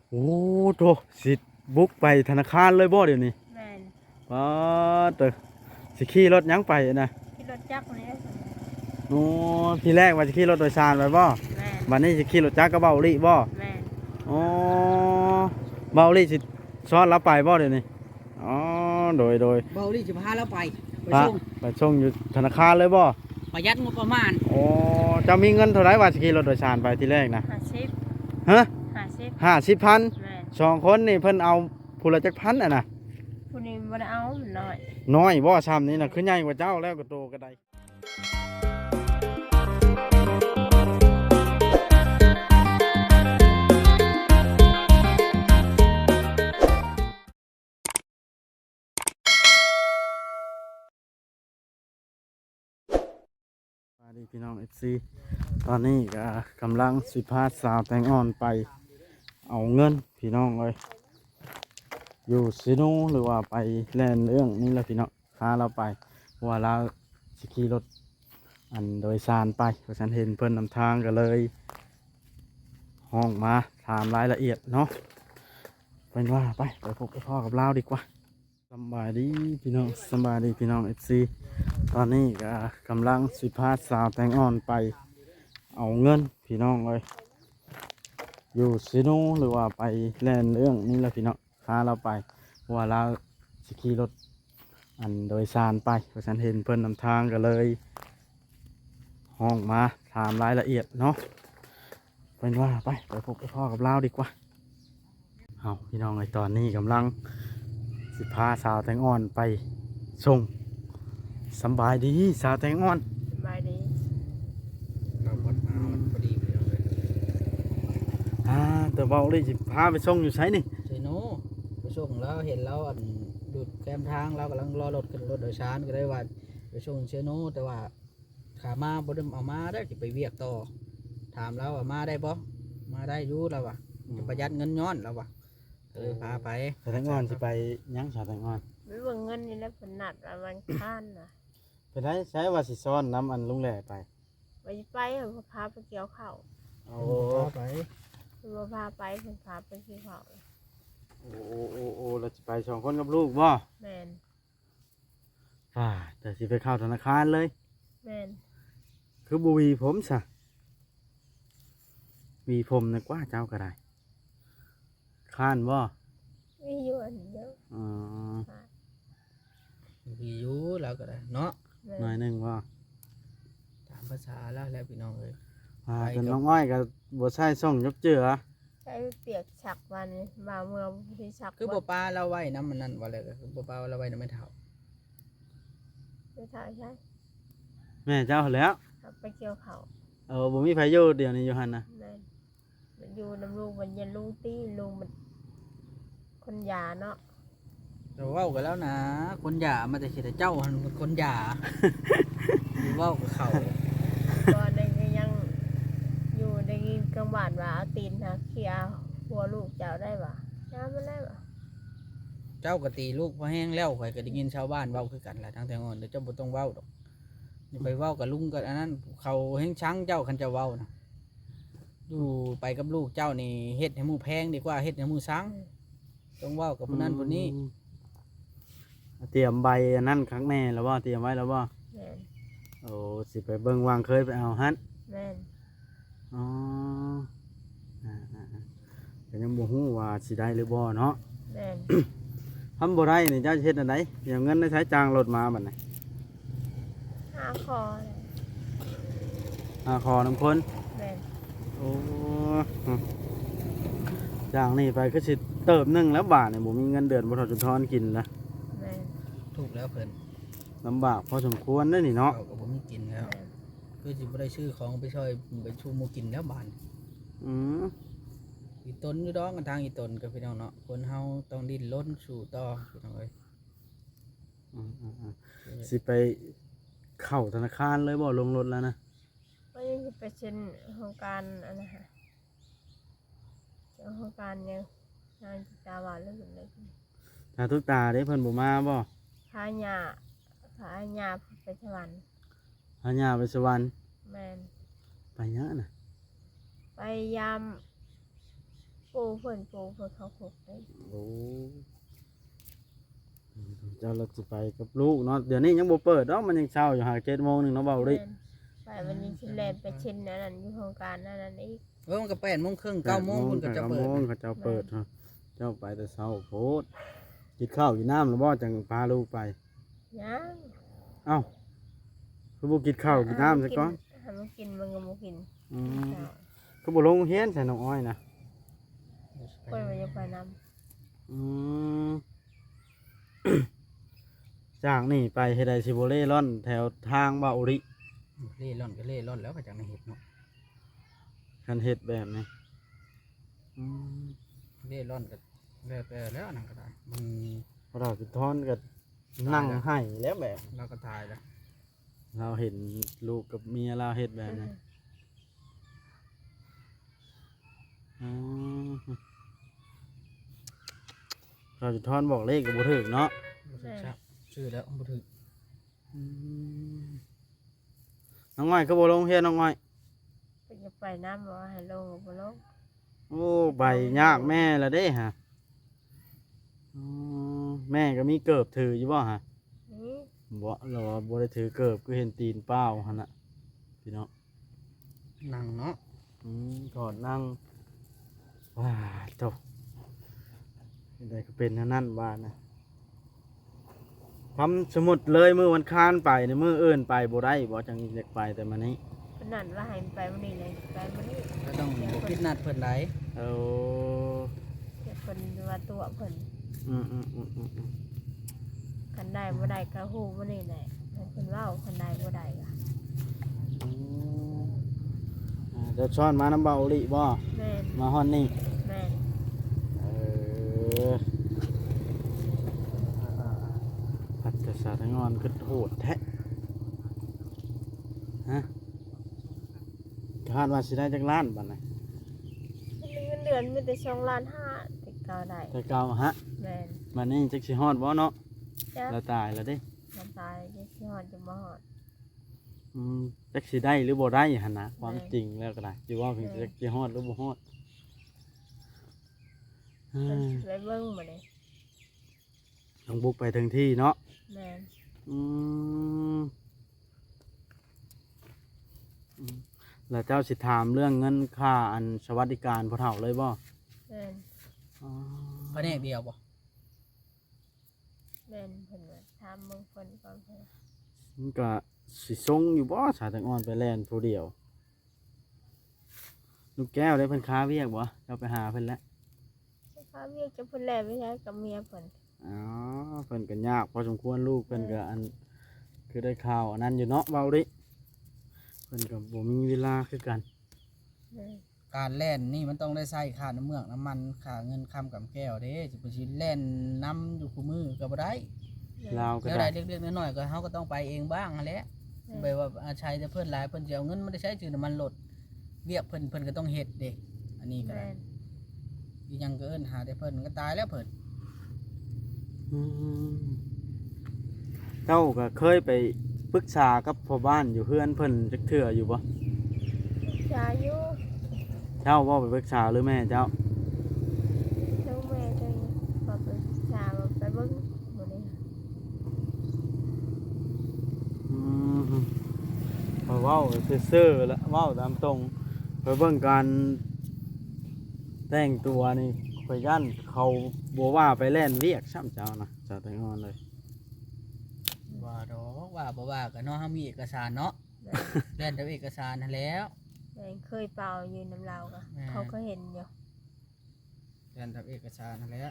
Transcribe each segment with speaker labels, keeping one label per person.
Speaker 1: โอ้โตสิบุกไปธนาคารเลยบ่เดี๋ยวนี้
Speaker 2: แม่น
Speaker 1: ป้าเตอสิขี่รถหยังไปนะ
Speaker 2: ขี่รถจักรมาเนี่ย
Speaker 1: โอ้ทีแรกว่าจะขี่รถโดยสารไปบ่
Speaker 2: แม่น
Speaker 1: บัดนี้สิขี่รถจักรกับเบาลี่บ่
Speaker 2: แม่น
Speaker 1: อ๋อเบาลี่สิซ้อนเราไปบ่เดี๋ยวนี้อ๋อโดย
Speaker 3: เบาดิจะพาเราไป
Speaker 1: พระ
Speaker 3: ส่ง
Speaker 1: ไปส่งอยู่ธนาคารเลยบ่
Speaker 3: ประหยัดงบประมาณ
Speaker 1: โอ้จะมีเงินเท่าไหร่ว่าสิขี่รถโดยสารไปทีแรกนะ
Speaker 2: 50
Speaker 1: ฮะ
Speaker 2: 50,000แม่น
Speaker 1: 2คนนี่เพิ่นเอาผู้ละจักพันอ่ะนะ
Speaker 2: ผู้นี้บ่ได้เอามันน้อย
Speaker 1: น้อยบ่ซ้ำนี่น่ะคือใหญ่กว่าเจ้าแล้วก็โตก็ได้สวัสดีพี่น้อง FC ตอนนี้ก็กำลังสิพาสาวแตงอ่อนไปเอาเงินพี่น้องเลยอยู่ซิโนหรือว่าไปแล่นเรื่องนี่แหละพี่น้องพาเราไปเพราะว่าเราสขี่รถอันโดยสารไปเพราะฉันเห็นเพิ่นนำทางก็เลยห้องมาถามรายละเอียดเนาะเป็นว่าไปพบกับพ่อกับเราดีกว่าสบายดีพี่น้องสบายดีพี่น้อง FC ตอนนี้ก็กำลังสิพาสาวแตงอ่อนไปเอาเงินพี่น้องเลยอยู่ซิโนหรือว่าไปแล่นเรื่องนี่แหละพี่น้องพาเราไปเพราะว่าเราสขี่รถอันโดยสารไปเพราะฉันเห็นเพิ่นนำทางก็เลยห้องมาถามรายละเอียดเนาะเป็นว่าไปพบกับพ่อกับเราดีกว่าเอาพี่น้องในตอนนี้กำลังสิพาสาวแตงอ่อนไปส่งสบายดีสาวแตงอ่อน
Speaker 2: สบายดี
Speaker 3: เราพอดมาพอดีไปเลย
Speaker 1: แต่เบาเลยสิพาไปส่งอยู่ไสนี่
Speaker 3: เจโน่ไปส่งแล้วเห็นแล้วอันหยุดแคมทางเรากำลังรอรถขึ้นรถโดยสารก็ได้ว่าไปส่งเชโน่แต่ว่าขามาบ่ได้เอามาได้จะไปเวียกต่อถามแล้วว่ามาได้บ่มาได้อยู่แล้วว่ะจะประหยัดเงินย้อนแล้วว่ะเลยพาไป
Speaker 1: สาวแตงอ่อนสิไปยังสาวแตงอ่อน
Speaker 2: ไม่ว่าเงินนี่แหล้วเพิ่นนัดว่าวันค้านน่ะ
Speaker 1: ไปได้ใช้ว่าสิซ้อนน้ำอันลุงแหล่ไป
Speaker 2: ไปเอาพาไปเกี่ยวข้าว
Speaker 1: โอ้
Speaker 3: พาไป
Speaker 2: เพิ่นบ่พาไปเพิ่นพาไปเกี่ยวข้าว
Speaker 1: โอ้เราจะไป2คนกับลูกบ่
Speaker 2: แม่น
Speaker 1: แต่สิไปเข้าธนาคารเลย
Speaker 2: แม่น
Speaker 1: คือบุวีผมซะวีผมนะกว่าเจ้าก็ได้ค้านบ่
Speaker 2: มีอยู่อันเดียว
Speaker 1: อ๋อ
Speaker 3: มีอยู่แล้วก็ได้เนาะ
Speaker 1: หน่อยหนึงบ่
Speaker 3: ตามภาษาแล้วพี่น้องเลย
Speaker 1: จนน้องอ้อยก็บ่ใช่ส่งยกเจือ
Speaker 2: ใช้เปียกฉักวันมาเมื่อที่ฉัก
Speaker 3: คือบ่ปลาเราไว้น้ำมันนั่นว่าเลยคือบ่ปลาเราไว้น้ำไม่เท่า
Speaker 2: ไม่ถ่ายใช่
Speaker 1: แม่เจ้าแล้ว
Speaker 2: ไปเกี่ยวเขา
Speaker 1: บ่มีไผอยู่เดี๋ยวนี้อยู่หั่นนะ
Speaker 2: มันอยู่น้ำลูกมันยันลูกตีลุงมันคนยาเนาะ
Speaker 3: เราเว้ากันแล้วนะคนหย่ามาแต่เฉยเจ้าคนหย่าเว้ากับเขา
Speaker 2: ก็ในยังอยู่ในกลางบ้านว่าเอาตีนนะเคลียร์หัวลูกเจ้าได้ป่ะน้ำมันได้ป่ะ
Speaker 3: เจ้าก็ตีลูกพอแห้งแล้วข่อยก็ได้ยินชาวบ้านเว้าคือกันแหละทั้งแต่งอนเดี๋ยวเจ้าบ่ต้องเว้าดอกอย่าไปเว้ากับลุงกับอันนั้นเขาแห้งช้างเจ้าคันจะเว้านะอยู่ไปกับลูกเจ้านี่เฮ็ดให้หมู่แพงดีกว่าเฮ็ดให้หมู่ช้างต้องเว้ากับคนนั้นคนนี้
Speaker 1: เตรียมใบอันนั้นครั้งแน่แล้วบ่เตรียมไว้แล้วบ่สิไปเบิ่งวางเคยไปเอาฮั่น
Speaker 2: แม่น
Speaker 1: อ๋อก็ยังบ่ฮู้ว่าสิได้หรือบ่เนาะ
Speaker 2: แม่น
Speaker 1: ทำบ่ได้นี่เจ้าเฮ็ดอันใดเดี๋ยวเงินได้ใช้จ้างรถมาบัดนี้
Speaker 2: หาคอ
Speaker 1: ขอน้ำคน
Speaker 2: แม่น
Speaker 1: โอ้จ้างนี่ไปก็สิเติบนึงแล้วบาทนี่บ่มีเงินเดือนบ่ทอดจนทอนกินละ
Speaker 2: แม่น
Speaker 3: ถูกแล้วเพิ่น
Speaker 1: ลำบากพอสมควรเด้อนี่เนาะ
Speaker 3: ก็บ่มีกินแล้วคือสิบ่ได้ซื้อของไปช่วยไปชูหมู่กินแล้วบาดอีตนอยู่ดองกันทางอีตนกับพี่น้องเนาะคนเฮาต้องดิ้นรนสู่ต่อพี่น้องเอ้ย
Speaker 1: สิไปเข้าธนาคารเลยบ่ลงรถแล้วนะ
Speaker 2: ก็ยังไปเช่นโครงการอันนะฮะโครงการยังงานตาหวานเรื่องอะไร
Speaker 1: ตาทุกตาได้เพิ่นบ่มาบ่
Speaker 2: พาญาไปสวรรค์
Speaker 1: พาญาไปสวรรค์
Speaker 2: แมน
Speaker 1: ไปเยอะน่ะ
Speaker 2: ไปยามปเพิ่นเขาขุกได้
Speaker 1: โอ้เจ้าเราจะไปกับลูกเนาะเดี๋ยวนี้ยังบ่เปิดเนาะมันยังเช้าอยู่หา7:00นเนาะเบาดิ
Speaker 2: แม่นไปวันนี้ชิแลนไปเช่นนั้นอยู่โครงการนั้นอีก
Speaker 3: มันก็8:30 9:00พุ่นก็จะเปิด
Speaker 1: 9:00 เขาจะเปิดฮะเจ้าไปแต่เช้าโพดกินข้าวกินน้ำแล้วบ่จังพาลูกไป
Speaker 2: ยัง
Speaker 1: เอ้าคือบ่กินข้าวกินน้ำซะก่อน
Speaker 2: ถ้ามันกินมันก็บ่กิน
Speaker 1: อืมก็บ่ลงเรียนใส่น้องอ้อยนะ
Speaker 2: เพิ่นมันจะไปนำ
Speaker 1: อืม จากนี่ไปเฮ็ดได้สิบ่เล่ร่อนแถวทางเบาอุริ
Speaker 3: เล่ร่อนก็เล่ร่อนแล้วก็จากในเห็ดเนาะ
Speaker 1: คันเฮ็ดแบบนี้อืม
Speaker 3: เล่ร่อนก็แล้วแต่แล้วนั่นก็ได้มัน
Speaker 1: พอเราสิทอนก็นั่งให้แล้วแบบ
Speaker 3: เราก็ตายแล้ว
Speaker 1: เราเห็นลูกกับเมียเราเฮ็ดแบบนี้อืมเราสิทอนบอกเลขก็บ่ถูกเนาะ
Speaker 3: บ่ถูกชักชื่อแล้วบ่ถูก
Speaker 1: อืมน้องอ้อยก็บ่ลงเฮียนน้องอ้อย
Speaker 2: เพิ่นจะไปนำบ่ให้ลงก็บ่ลง
Speaker 1: โอ้ใบยากแม่ละเด้ฮะอ๋อแม่ก็มีเกิบถืออยู่บ่ฮะ
Speaker 2: นี่
Speaker 1: บ่เราว่าบ่ได้ถือเกิบก็เห็นตีนเป้าหั่นน่ะพี่น้อง
Speaker 3: นั่งเนาะ
Speaker 1: ถอดนั่งว้าเจ้าได้ก็เป็นเท่านั้นบ้านนะทำสมุดเลยมือวันค้านไปในมืออื่นไปบ่ได้บ่จังอยากไปแต่มานี้
Speaker 2: เพิ่นนั่นว่าให้มันไปมื้อนี้เลยไปมื้อนี้
Speaker 3: ก็ต้องบ่คิดนัดเพิ่นได้
Speaker 1: เอา
Speaker 2: เดี๋ยวเพิ่นว่าตัวเพิ่น
Speaker 1: อืม
Speaker 2: คันได้บ่ได้ก็ฮู้มื้อนี้แหละให้เพิ่นเว้าคันได้บ่ได้ก็
Speaker 1: เดี๋ยวช้อนมาน้ำเบาลิบ่
Speaker 2: แม่น
Speaker 1: มาฮอนนี่
Speaker 2: แม่น
Speaker 1: เออพัดกระสาทั้งงอนคือโหดแท้ฮะคาดว่าสิได้จักล้านบัดน่ะ
Speaker 2: เงินเดือนมีแต่2.5 ล้านติดเก่าได้
Speaker 1: แต่เก่าฮะ
Speaker 2: แม่น
Speaker 1: บัดนี้จักสิฮอดบ่เนาะ
Speaker 2: จ้ะ
Speaker 1: แล้วตายแล้วเด้
Speaker 2: มันตายจะสิฮอดจะบ่ฮอด
Speaker 1: จักสิได้หรือบ่ได้หั่นนะความ
Speaker 2: ได้
Speaker 1: จริงแล้วก็ได้อยู่ว่าเพิ่นจักสิฮอดหรือบ่ฮอด
Speaker 2: เพิ่นไปเบิ่งมื้อนี้
Speaker 1: ต้องบุกไปถึงที่เนาะ
Speaker 2: แม่น
Speaker 1: อืมแล้วเจ้าสิถามเรื่องเงินค่าอันสวัสดิการพ่อเฒ่าเลยบ่
Speaker 2: แม่น
Speaker 1: อ๋อ
Speaker 3: แผนกเดียวบ่
Speaker 2: แม่นเพิ่นว่าถามเบิ่งเพิ่นก่อนเพิ่น
Speaker 1: มันก็สิทรงอยู่บ่สาตังอ่อนไปแล่นผู้เดียว ลูกแก้วได้เพิ่นค้าเวียกบ่เจ้าไปหาเพิ่นแล้ว
Speaker 2: ถ้าเวียกจะเพิ่นแลไปใช้กับเมียเพิ่น
Speaker 1: อ๋อเพิ่นก็ยากพอสมควรลูกเพิ่นก็อันคือได้ข่าวอันนั้นอยู่เนาะเบาดิเพิ่นก็บ่มีเวลาคือกัน
Speaker 2: แม่น
Speaker 3: การแล่นนี่มันต้องได้ใช้ค่าน้ำเมือกน้ำมันค่าเงินค้ำกับแก้วเด้สิไปสิแล่นน้ำอยู่คู่มือก็บ่ได้
Speaker 1: ลาวก็
Speaker 3: แล้ว
Speaker 1: ได้
Speaker 3: ได้เล็กๆน้อยๆก็เฮาก็ต้องไปเองบ้างนั่นแหละไปว่าอาชัยแต่เพิ่นหลายเพิ่นสิเอาเงินมาได้ใช้จือน้ำมันลดเวียกเพิ่นก็ต้องเฮ็ดเด้อันนี้ก็
Speaker 2: แม่
Speaker 3: ได้
Speaker 2: น
Speaker 3: อีหยังก็เอิ้นหาแต่เพิ่นก็ตายแล้วเพิ่น
Speaker 1: อืมเจ้าก็เคยไปปรึกษากับพ่อบ้านอยู่เพื่อนเพิ่นจักเทื่ออยู่บ่
Speaker 2: ชายุ
Speaker 1: เจ้าบ่ไปปรึกษาหรือแม่เจ้า
Speaker 2: เจ้าแม่เจ้าพอไปชาว่าไปเบิ่งมื้อนี้
Speaker 1: อืมพอเว้าซื่อๆแล้วเว้าตามตรงไปเบิ่งการแต่งตัวนี่ข่อยย่านเขาบ่ว่าไปแล่นเวียกซ้ำเจ้านะเจ้าแต่งอนเลย
Speaker 3: ว่าดอกว่าบ่ว่าก็เนาะเฮามีเอกสารเนาะ
Speaker 2: แม่น
Speaker 3: แล่นแต่เอกสารนั่นแหล้ว
Speaker 2: แม่นเคยเป่าอยู่น้ำลาวก็
Speaker 3: แม่
Speaker 2: เขาก็เห็นอยู่
Speaker 3: แล่นแต่เอกสารนั่นแหละ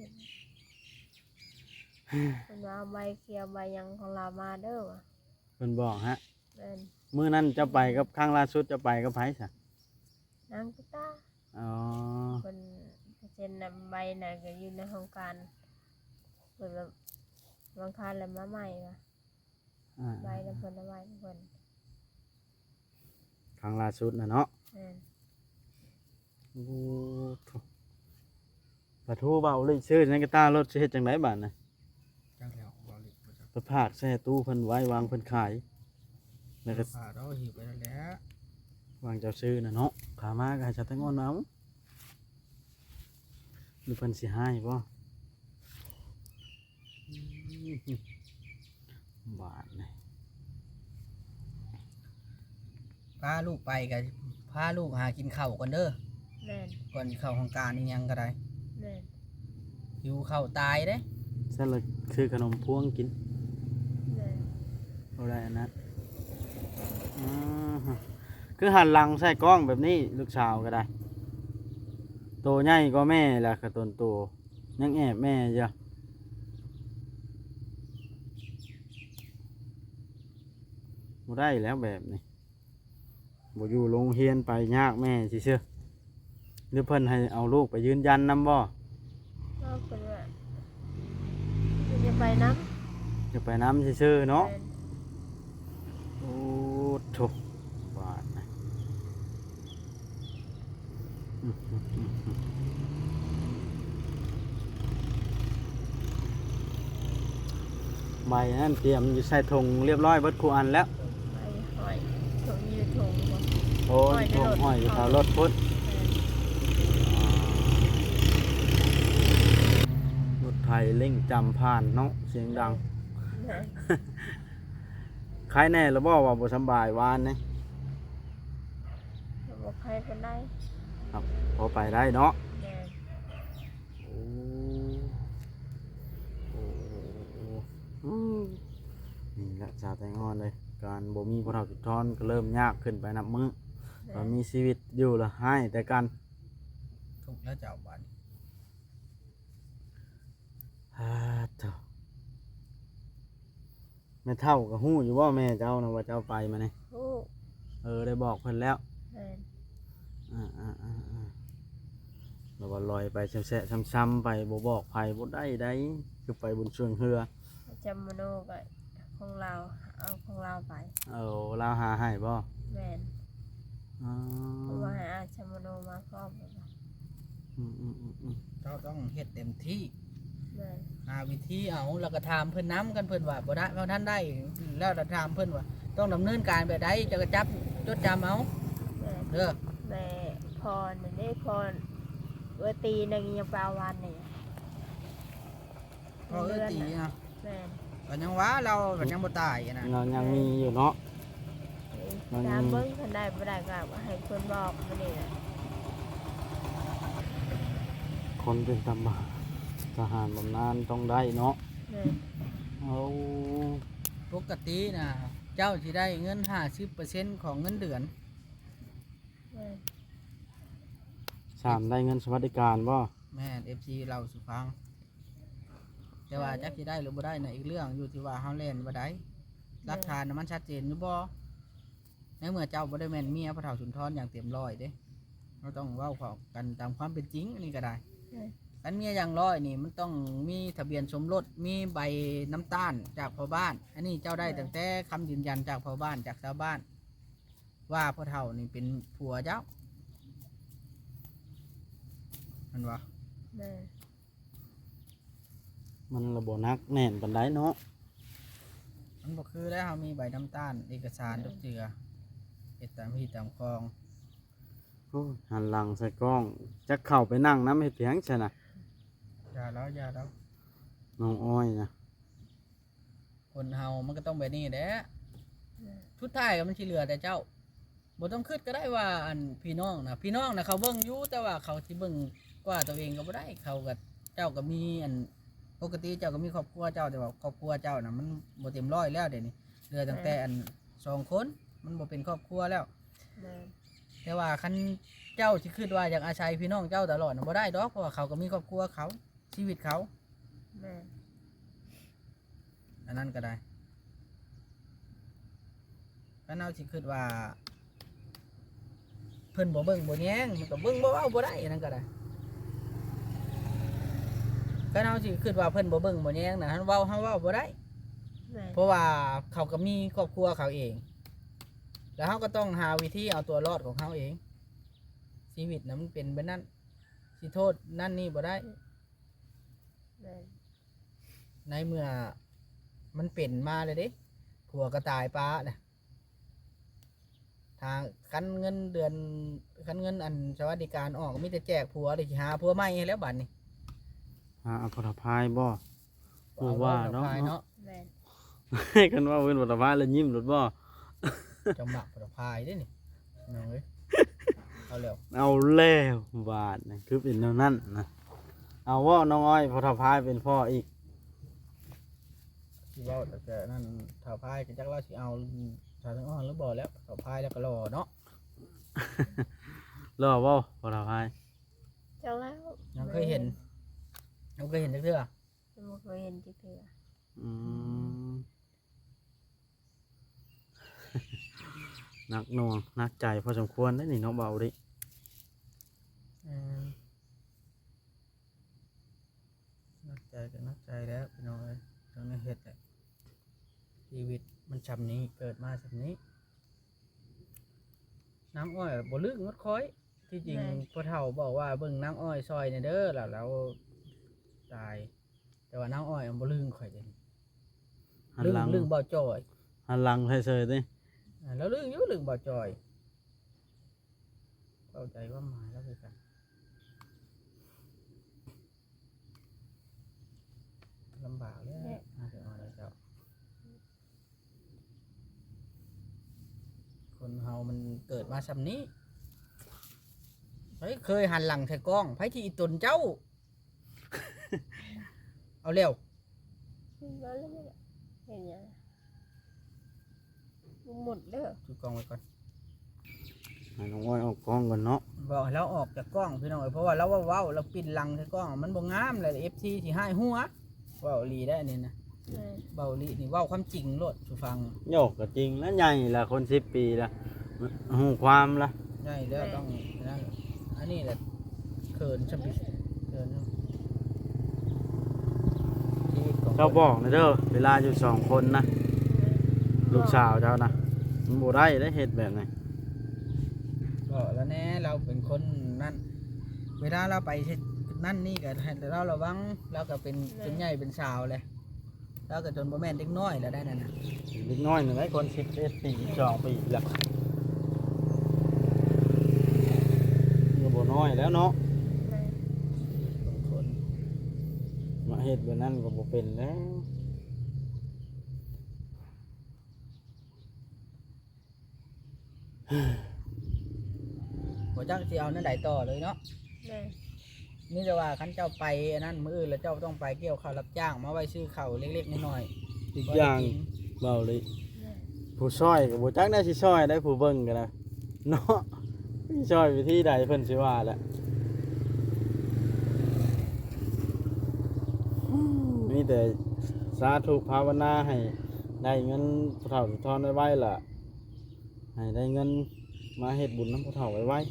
Speaker 2: เพิ่นว่าเอาใบเขียวใบหยังของเรามาเด้อว่ะ
Speaker 1: เพิ่นบอกฮะ
Speaker 2: แม่น
Speaker 1: มื้อนั้นเจะไปกับครั้งล่าสุดเจะไปกับไผซะ
Speaker 2: นางกุตา
Speaker 1: อ๋อ
Speaker 2: เพิ่นเซ็นนำใบน่ะก็อยู่ในโครงการเพิ่นว่าบางครั้งแล้วมาใหม่ว่ะ
Speaker 1: อ่า
Speaker 2: ใบแล้วเพิ่นเอาไว้เพิ่น
Speaker 1: ครั้งล่าสุดน่ะเนาะ
Speaker 2: แม่น
Speaker 1: โอ้โถปะทูเบาเลยชื่อในกระตารถสิเฮ็ดจังไดบัดน่ะ
Speaker 3: จังแล้วบ่ลิบ่จัก
Speaker 1: ไปพากแช่ตู้เพิ่นไว้วางเพิ่นขายแล้วก็
Speaker 3: พาเราหิวไปแล้วแหละ
Speaker 1: วางเจ้าซื้อน่ะเนาะขามาก็ให้ชาวแตงอนเอาหรือเพิ่นสิให้บ่บาทนี่
Speaker 3: พาลูกไปก็พาลูกหากินข้าวก่อนเด้อ
Speaker 2: แม่น
Speaker 3: ก่อนสิเข้าของการนี่ยังก็ได้
Speaker 2: แม่น
Speaker 3: อยู่เข้าตายเด้
Speaker 1: ซะเลยคือขนมพวงกิน
Speaker 2: แม่น
Speaker 1: เอาได้อันนั้นคือหันหลังใส่กล้องแบบนี้ลูกสาวก็ได้โตใหญ่ก็แม่แหละกระตนโตยังแอบแม่จ้ะบ่ได้แล้วแบบนี้บ่อยู่โรงเรียนไปยากแม่สิเชื่อหรือเพิ่นให้เอาลูกไปยืนยันนำบ่
Speaker 2: ก็เป็นว่ามันจะไปน้
Speaker 1: จะไปน้ำซื่อๆ
Speaker 2: ำ
Speaker 1: เนาะ
Speaker 2: แม่น
Speaker 1: โอ้โถบาทนะใบนั่นเตรียมอยู่ใส่ถุงเรียบร้อยเบิดคูอันแล้ว
Speaker 2: ไปหอยถุงยืดถุงบ่
Speaker 1: โอ้ยถุงห้อยอยู่แถวรถพุทธรถไทยเร่งจำผ่านเนาะเสียงดัง
Speaker 2: แม่น
Speaker 1: ใครแน่แล้วบ่ว่าบ่สำบายวานนี่
Speaker 2: บอกใครเป็นได้
Speaker 1: ครับพอไปได้เนาะ
Speaker 2: แม่น
Speaker 1: โอ้โอ้นี่แหละชาวแตงอ่อนเลย การบ่มีพวกเราจุดทอนก็เริ่มยากขึ้นไปนับมื้อ
Speaker 2: แม่
Speaker 1: เรา
Speaker 2: น
Speaker 1: มีชีวิตอยู่ละให้แต่กัน
Speaker 3: ทุกข์แล้วเจ้าบัด
Speaker 1: ฮ่าเจ้าแม่เท่ากับฮู้อยู่ว่าแม่เจ้านะว่าเจ้าไปมาเนี่ย
Speaker 2: โอ้
Speaker 1: ได้บอกเพิ่นแล้ว
Speaker 2: แม่น
Speaker 1: เราว่าลอยไปแฉะๆซ้ำๆไปบ่บอกไผบ่ได้ได้คือไปบนช่วงเรือ
Speaker 2: จำมโนก็ของเราเอาของเราไป
Speaker 1: เอาลาวหาให้บ่
Speaker 2: แม่น
Speaker 1: อ๋อ
Speaker 2: เพราะว่าให้อาจำมโนมาพร้อมกัน
Speaker 1: อืม
Speaker 3: เจ้าต้องเฮ็ดเต็มที่
Speaker 2: แม่น
Speaker 3: หาวิธีเอาแล้วก็ถามเพิ่นน้ำกันเพิ่นว่าบ่ได้บ่ท่านได้แล้วก็ถามเพิ่นว่าต้องดำเนินการแบบใดจะก็จับจดจำเอา
Speaker 2: แม่น
Speaker 3: เด้อ
Speaker 2: แม่พรนี่ได้พรเวทีหนึงยังเปล่าวันนี่
Speaker 3: พอตีนะ
Speaker 2: แม่น
Speaker 3: ก็ยังว่าเราก็ยังบ่ตายนะ
Speaker 1: เรายังมีอยู่เนาะ
Speaker 2: ตามเบิ้งคนได้บ่ได้ก็ให้คนบอกมานี่แหละ
Speaker 1: คนเป็นตำรวจทหารบำนาญต้องได้เนาะ
Speaker 2: แม่น
Speaker 1: เอา
Speaker 3: ปกตินะเจ้าสิได้เงิน 50%ของเงินเดือน
Speaker 2: แม่น
Speaker 1: สามได้เงินสวัสดิการบ่
Speaker 3: แม่น FC เราสุฟัง แต่ว่าจักสิได้หรือบ่ได้ในะอีกเรื่องอยู่ที่ว่าเฮาเล่นบ่ได้หลักฐานน่ะมันชัดเจนอยู่บ่ในเมื่อเจ้าบ่ได้แม่นเมียพระเฒ่าสุนทรอย่างเต็มร้อยเด้เราต้องเว้าเข้ากันตามความเป็นจริงอันนี้ก็ได้
Speaker 2: แม่น
Speaker 3: อันเมียอย่างร้อยนี่มันต้องมีทะเบียนสมรสมีใบน้ำตาลจากพ่อบ้าน อันนี้เจ้าได้ตั้งแต่คำยืนยันจากพ่อบ้านจากชาวบ้าน ว่าพ่อเฒ่านี่เป็นผัวเจ้ามันวะ
Speaker 2: แม่น
Speaker 1: มันระบบนักแน่นปันไดเนาะ
Speaker 3: มันบอกคือแล้วเขามีใบน้ำตาลเอกสารทุกเจือเอ็ดตามที่ตามคลอง
Speaker 1: โอ้ยหันหลังใส่กล้องจะเข้าไปนั่งน้ำเห็ดเพียงใช่นะ
Speaker 3: อย่าแล้วอย่าแล้ว
Speaker 1: น้องอ้อยนะ
Speaker 3: คนเฮามันก็ต้องแบบนี้แหละ
Speaker 2: แม่น
Speaker 3: ชุดท้ายก็มันชิเหลือแต่เจ้าบ่ต้องคิดก็ได้ว่าอันพี่น้องนะพี่น้องนะเขาเบิ่งอยู่แต่ว่าเขาที่เบิ่งกว่าตัวเองก็บ่ได้เขากับเจ้าก็มีอันปกติเจ้าก็มีครอบครัวเจ้าแต่ว่าครอบครัวเจ้านะมันบ่เต็มร้อยแล้วเดี๋ยวนี้เหลือตั้งแต่อัน2 คนมันบ่เป็นครอบครัวแล้ว
Speaker 2: แม่น
Speaker 3: แต่ว่าคันเจ้าสิคิดว่าอยากอาศัยพี่น้องเจ้าตลอดน่ะบ่ได้ดอกเพราะว่าเขาก็มีครอบครัวเขาชีวิตเขา
Speaker 2: แม่น
Speaker 3: อันนั้นก็ได้คันเอาสิคิดว่าเพิ่นบ่เบิ่งบ่แยงมันก็เบิ่งบ่เว้าบ่ได้อันนั้นก็ได้คันเอาสิคิดว่าเพิ่นบ่เบิ่งบ่แยงน่ะเฮาเว้าบ่ได้
Speaker 2: แม่น
Speaker 3: เพราะว่าเขาก็มีครอบครัวเขาเอง แล้วเขาก็ต้องหาวิธีเอาตัวรอดของเขาเอง ชีวิตนะมันเป็นแบบนั้นสิโทษนั่นนี่บ่ได้
Speaker 2: แม่น
Speaker 3: ในเมื่อมันเป็นมาเลยเด้ผัวก็ตายป้าเนี่ยทางคันเงินเดือนคันเงินอันสวัสดิการออกมีแต่แจกผัวเลยสิหาผัวใหม่ให้แล้วบัดนี้
Speaker 1: หาผลพายบ่บ่ว่าเนาะ
Speaker 3: เนาะ
Speaker 2: แม่น
Speaker 1: ให้กันว่าเว้นผลพายแล้วยิ้มรถบ่
Speaker 3: จะหมักผลพายได้นี่น้องเอ้ยเอาแล้ว
Speaker 1: เอาแล้วบาดนะคือเป็นแนวนั้นนะเอาว่าน้องอ้อยผลพายเป็นพ่ออีก
Speaker 3: ที่เว่าแต่นั่นเถาพายก็จักเราสิเอาชาวทั้งอ้อนหรือบ่แล้วเถาพายแล้วก็รอเนาะ
Speaker 1: รอบ่ผลพาย
Speaker 2: จังแล้ว
Speaker 3: ยังเคยเห็นยังเคยเห็นจักเทื่อ
Speaker 2: บ่เคยเห็นจักเทื่อ
Speaker 1: อืม หนักหน่วงหนักใจพอสมควรได้อนี่เนาะเบาดิ
Speaker 3: นักใจก็นักใจแล้วพี่น้องเอ้ยต้องได้เฮ็ดแหละชีวิตมันชำนี้เกิดมาชำนี้น้ำอ้อยบ่ลึกงดค้อยที่จริงพ่อเฒ่าบอกว่าเบิ่งน้ำอ้อยซอยเนี่ยเด้อแล้วตาย แต่ว่าน้ำอ้อยมันบ่ลึงข่อยเด้
Speaker 1: หัน
Speaker 3: ลึง
Speaker 1: หลัง
Speaker 3: ลึงบ่จ่อย
Speaker 1: หันหลังให้เฉยๆดิ
Speaker 3: แล้วลึงอยู่ลึงบ่จ่อยเข้าใจว่าหมายแล้วคือกันลำบากเลยน่าจะเอาอะไรเจ้าคนเฮามันเกิดมาซำนี้เฮ้ยเคยหันหลังใส่กล้องไผที่อีตนเจ้า เอาเร็ว
Speaker 2: แล้วแล้วเนี่ยเห็นยังหมดเด้อ
Speaker 3: จุดกล้องไว้ก่อน
Speaker 1: ให้น้องอ้อยออกกล้องก่อนเนาะ
Speaker 3: บอกให้เราออกจากกล้องพี่น้องเอ้ยเพราะว่าเราว่าเว้าเราปิดหลังใส่กล้องมันบ่งามเลย FC สิให้หัวเว้าอีหลีได้อันนี่นะ
Speaker 2: แม่น
Speaker 3: เว้าอีหลีนี่เว้าความจริงโลดสุฟัง
Speaker 1: โยกก็จริงแล้วใหญ่ละคน10 ปีละหูความละ
Speaker 3: ใช่แล้วต้องนั่นอันนี้แหละเขินชบิเขินชีวิตของ
Speaker 1: เจ้าบอกนะเด้อเวลาอยู่2 คนนะลูกสาวเจ้านะมันบ่ได้ได้เฮ็ดแบบนี้
Speaker 3: บอกแล้วแน่เราเป็นคนนั่นเวลาเราไปเฮ็ดนั่นนี่ก็ให้เราระวังเราก็เป็นใหญ่เป็นสาวเลยเราก็จนบ่แม่นเด็กน้อยแล้วได้นั่นน่ะ
Speaker 1: เล็กน้อยหนึ่งไอ้คน11 ปี12 ปีละก็บ่น้อยแล้วเนาะ
Speaker 2: แม่น
Speaker 3: บางคน
Speaker 1: มาเฮ็ดแบบนั้นก็บ่เป็นแล้ว
Speaker 3: บ่จักสิเอานั่นใดต่อเลยเนาะ
Speaker 2: แม่น
Speaker 3: นี่แต่ว่าคันเจ้าไปอันนั้นมื้ออื่นแล้วเจ้าต้องไปเกี่ยวข้าวรับจ้างมาไว้ซื้อข้าวเล็กๆน้อย
Speaker 1: อีก
Speaker 3: ๆบ่
Speaker 1: อ
Speaker 3: ได้
Speaker 1: ย่าง
Speaker 3: กิน
Speaker 1: เบาเลย
Speaker 2: แม่น
Speaker 1: ผู้ช่อยก็บ่จักได้สิช่อยได้ผู้เบิ่งก็ได้เนาะช่อยวิธีใดเพิ่นสิว่าแหละมีแต่สาธุภาวนาให้ได้เงินผู้เฒ่าผู้ทอนไว้ๆล่ะให้ได้เงินมาเฮ็ดบุญนำผู้เฒ่าไว้
Speaker 2: แม่น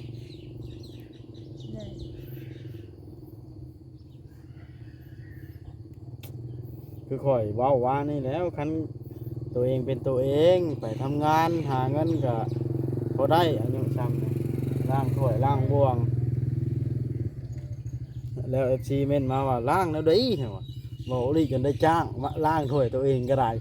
Speaker 1: คือข่อยเว้าว่านี่แล้วคันตัวเองเป็นตัวเองไปทำงานหาเงินก็พอได้อายุซ้ำล้างถ้วยล้างบ่วง แล้ว FC เม่นมาว่าล้างแล้วดีเหรอบอกลีจนได้จ้างมาล้างถ้วยตัวเองก็ได้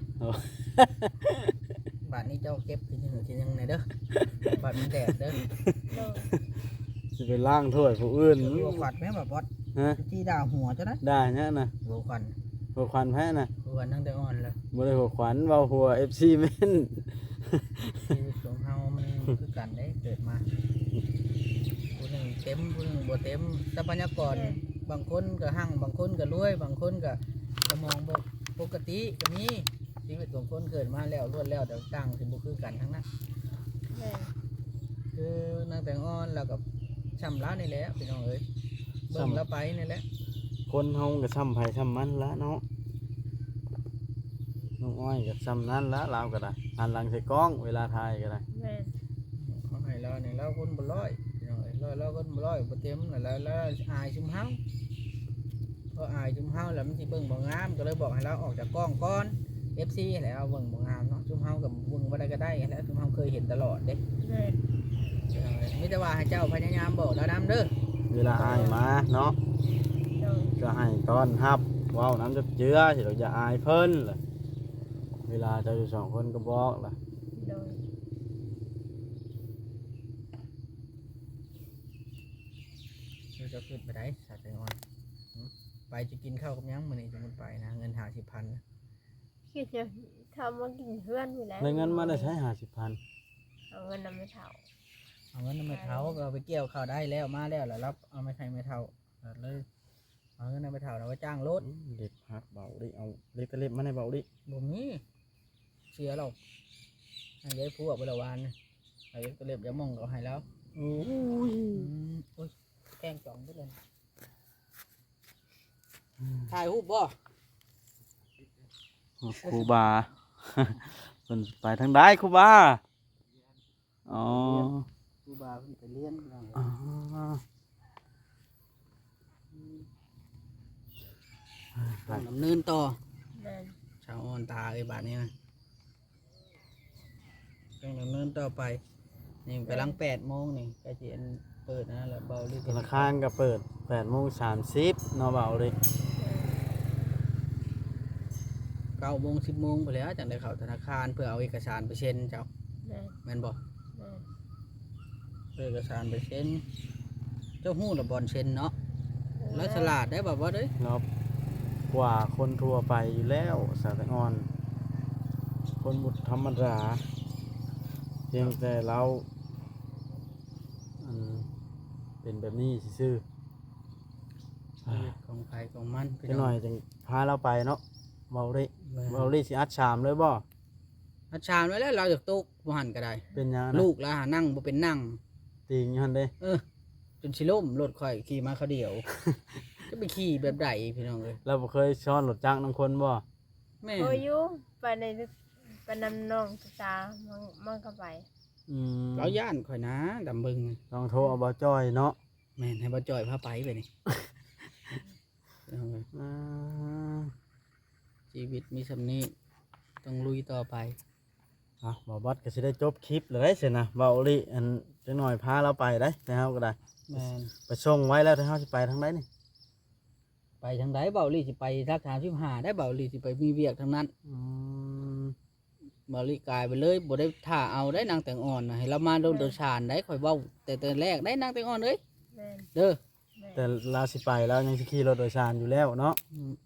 Speaker 3: บาทนี้เจ้าเก็บทีนึงไหนเด้อบาทมันแดดเด้อ
Speaker 2: โดย
Speaker 1: สิไปล้างถ้วยผู้อื่น
Speaker 3: หัวขวัญแม่แบบบอส
Speaker 1: ฮะ
Speaker 3: ที่ด่าหัวเจ้านะ
Speaker 1: ได้เนี่ยนะ
Speaker 3: หัวขวัญ
Speaker 1: หัวขวัญแพ้นะ
Speaker 3: หัวขวัญตั้งแต่อ่อนแล้ว
Speaker 1: บ่ได้หัวขวัญเว้าหัว FC เม่น
Speaker 3: ชีวิตของเฮามันคือกันได้เกิดมาผู้หนึ่งเต็มผู้หนึ่งบ่เต็มทรัพยากรบางคนก็หั่งบางคนก็รวยบางคนก็สมองบ่ปกติก็มีชีวิตของคนเกิดมาแล้วรวดแล้วแต่ต่างสิบ่คือกันทั้งนั้น
Speaker 2: แม่น
Speaker 3: คือนางแต่งอ่อนแล้วก็ช้ำร้านี่แหละพี่น้องเอ้ยเบิ่งแล้วไปนี่แหละ
Speaker 1: คนเฮาก็ซ้ำไผซ้ำมันละเนาะน้องอ้อยก็ซ้ำนั้นละเราก็ได้หันหลังใส่กล้องเวลาถ่ายก็ได้
Speaker 2: แม่น
Speaker 3: เขาให้เราเนี่ยเราคนบ่ร้อยพี่น้องเอ้ยเราคนบ่ร้อยบ่เต็มแล้วอายชุมเฮาเพราะอายชุมเฮาแล้วมันสิเบิ่งบ่งามก็เลยบอกให้เราออกจากกล้องก่อน FC แล้วเอาเบิ่งบ่งามเนาะชุมเฮากับเบิ่งบ่ได้ก็ได้แล้วชุมเฮาเคยเห็นตลอดเด้
Speaker 2: แม่น
Speaker 3: พี่น้องเอ้ยมีแต่ว่าให้เจ้าพยายามบอกเรานำเด้อ
Speaker 1: เวลาอายมาเนาะ
Speaker 2: โดย
Speaker 1: ก็ให้ต้อนรับเว้าน้ำจับเจือสิเราจะอายเพิ่นล่ะเวลาเจะอยู่2 คนก็บอกล่ะ
Speaker 2: โดย
Speaker 3: เราจะขึ้นไปได้สาใจอ่อนไปจะกินข้าวกับหยังมื้อนี้จะมันไปนะเงิน50,000นะ
Speaker 2: คิดจะทำมากินเพื่อนอยู่แล้ว
Speaker 1: ได้เงินมาได้ใช้50,000
Speaker 2: เอาเงินนำไม่เท่า
Speaker 3: เอาเงินไม่เท่าก็เอาไปเกี่ยวข้าวได้แล้วมาแล้วแล้วรับเอาไม่ใครไม่เท่าเลยเอาเงินไม่เท่าแล้วไว้จ้างรถ
Speaker 1: เด็กพักเบาดิเอาเล็กตะเล็บมาในเบาดิ
Speaker 3: บ่มีเสียหรอกให้ได้พูดไปละวันนี่ไอ้ตัวเล็บจะมองก็ให้แล้ว
Speaker 1: โอ้ย
Speaker 3: โอ้ยแกงจ่องไปเลยถ่ายรูปบ่
Speaker 1: ครูบา เพิ่นไปทางใดครูบาอ๋อ
Speaker 3: ครูบาเพิ่นไปเรียน
Speaker 1: อ๋อ
Speaker 3: ต้องดำเนินต่อ
Speaker 2: แม่น
Speaker 3: ชาวอ่อนตาไอ้บาทนี้นะต้องดำเนินต่อไปนี่กำลัง8 โมงนี่ใกล้จะเปิดนะแล้วเบาลิ
Speaker 1: ธนาคารก็เปิด8:30เนาะเบาดิ
Speaker 3: 9 โมง 10 โมงไปแล้วจังได้เข้าธนาคารเพื่อเอาเอกสารไปเซ็นเจ้า
Speaker 2: แม่น
Speaker 3: แม่นบ่
Speaker 2: แม่น
Speaker 3: เอาเอกสารไปเซ็นเจ้าหู้ระบอลเซ็นเนาะแล้วฉลาดได้แบบว่าเด้ย
Speaker 1: เนาะกว่าคนทั่วไปอยู่แล้วสาตงอน คนบุตรธรรมดาเพียงแต่เราอันเป็นแบบนี้ซื่อ
Speaker 3: ชีวิตของใครของมัน
Speaker 1: ๆจะหน่อยจึงพาเราไปเนาะเบาดิเบาดิสิอัดชามเลยบ่
Speaker 3: อาชามไว้แล้วเราจากตุกบ่หันก็ได้
Speaker 1: เป็นหยังนะ
Speaker 3: ลูกแล้วหานั่งบ่เป็นนั่ง
Speaker 1: ติงอยู่หั่นเด้
Speaker 3: จนชิล่มรถข่อยขี่มาเขาเดียว จะไปขี่แบบใดพี่น้องเลย
Speaker 1: เราบ่เคยซ้อนรถจักรนำคนบ่
Speaker 3: แม่
Speaker 2: โอ้ยอยู่ไปในไปนำน้องตามันก็ไป
Speaker 1: อืม
Speaker 3: เราย่านข่อยนะดำบึง
Speaker 1: ลองโทรเอาบ่จ้อยเนาะ
Speaker 3: แม่นให้บ่จอยพาไปไปนี่ พี่น้องเอ้ย
Speaker 1: อ่า
Speaker 3: ชีวิตมีสำนี้ต้องลุยต่อไป
Speaker 1: อ่ะบ่บัดก็สิได้จบคลิปเลยสินะเบาดิอันจังหน่อยพาเราไปได้แต่เฮาก็ได้
Speaker 3: แม่น
Speaker 1: ไปส่งไว้แล้วถ้าเฮาสิไปทางใดนี่
Speaker 3: ไปทางใดเบาลี่สิไปทัก35ได้เบาลี่สิไปมีเวียกทางนั้น
Speaker 1: อืม
Speaker 3: เบาลี่กลายไปเลยบ่ได้ท่าเอาได้นางแต่งอ่อนนะให้เรามาโดนโดนชานได้ข่อยเว้าแต่แรกได้นางแต่งอ่อนเอ้ย
Speaker 2: แม่น
Speaker 3: เด้อ
Speaker 2: แม่น
Speaker 1: แต่เราสิไปแล้วยังสิขี่รถโดยสารอยู่แล้วเนาะ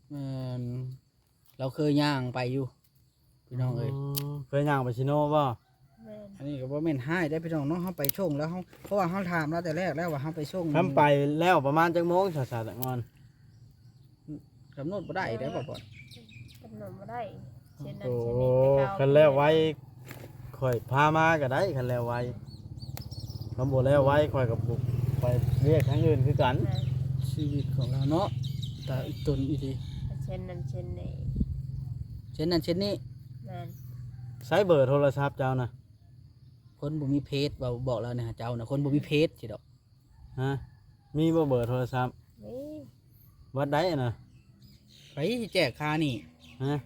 Speaker 3: เราเคยย่างไปอยู่พี่น้องเอ้ย
Speaker 1: เคยย่างไปชิโน่บ่
Speaker 2: แม่น
Speaker 3: อันนี้ก็บ่แม่นให้ได้พี่น้องเนาะเฮาไปส่งแล้วเฮาเพราะว่าเฮาถามแล้วแต่แรกแล้วว่าเฮาไปส่ง
Speaker 1: ทำไปแล้วประมาณจักโมงสาๆตะงอน
Speaker 3: กำหนดบ่ได้ได้อบ่บ่
Speaker 2: กำหนดบ่ได้เช่นนั้น
Speaker 1: โอ้
Speaker 2: เช่นนี้ไปเก่า
Speaker 1: คันแล้วไว้ข่อยพามาก็ได้คันแล้วไว้คำบ่แล้วไว้ข่อยกับบุกไปเรียกทางอื่นคือกัน
Speaker 2: แม่น
Speaker 3: ชีวิตของเราเนาะแต่อีกตนอีดี
Speaker 2: เช่นนั้นเช่นนี้
Speaker 3: เช่นนั้นเช่นนี้
Speaker 2: แม่น
Speaker 1: ใช้เบอร์โทรศัพท์เจ้านะ
Speaker 3: คนบ่มีเพจบอกแล้วนะเจ้านะคนบ่มีเพจสิดอก
Speaker 1: ฮะมีบ่เบอร์โทรศัพท์
Speaker 2: นี่
Speaker 1: วัดได้น่ะ
Speaker 3: ไปสิแจกค่านี่
Speaker 1: ฮะ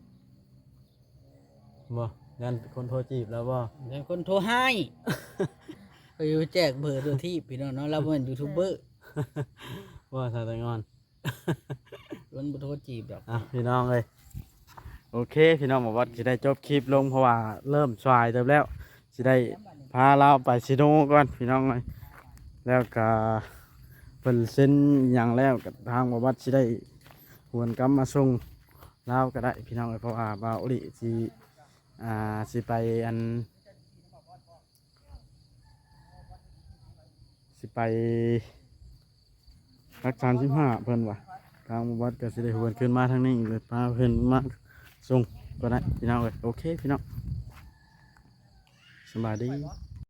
Speaker 1: บ่ยันคนโทรจีบแล้วบ่
Speaker 3: แต่คนโทรให้ ไปแจกเบอร์โดยที่พี่น้องเนาะเราเป็นยูทูบเบอร์
Speaker 1: ว่าสาตะงอน
Speaker 3: คนบ่โทรจีบดอก
Speaker 1: อ่ะพี่น้องเลยโอเคพี่น้องบอกว่าจะได้จบคลิปลงเพราะว่าเริ่มสายเต็มแล้วจะได้พาเราไปซิโนก่อนพี่น้องเลยแล้วก็เป็นเส้นอหย่างแล้วกับทางบอกว่าจะได้หวนกลับมาส่งเราก็ได้พี่น้องเลยเพราะว่าบาอุลิสิไปอันสิไปรัก35เพิ่นว่ะ ทางวัดก็สิได้หวนขึ้นมาทางนี้อีกเลยพาเพิ่นมาส่งก็ได้พี่น้องเลยโอเคพี่น้องสบายดี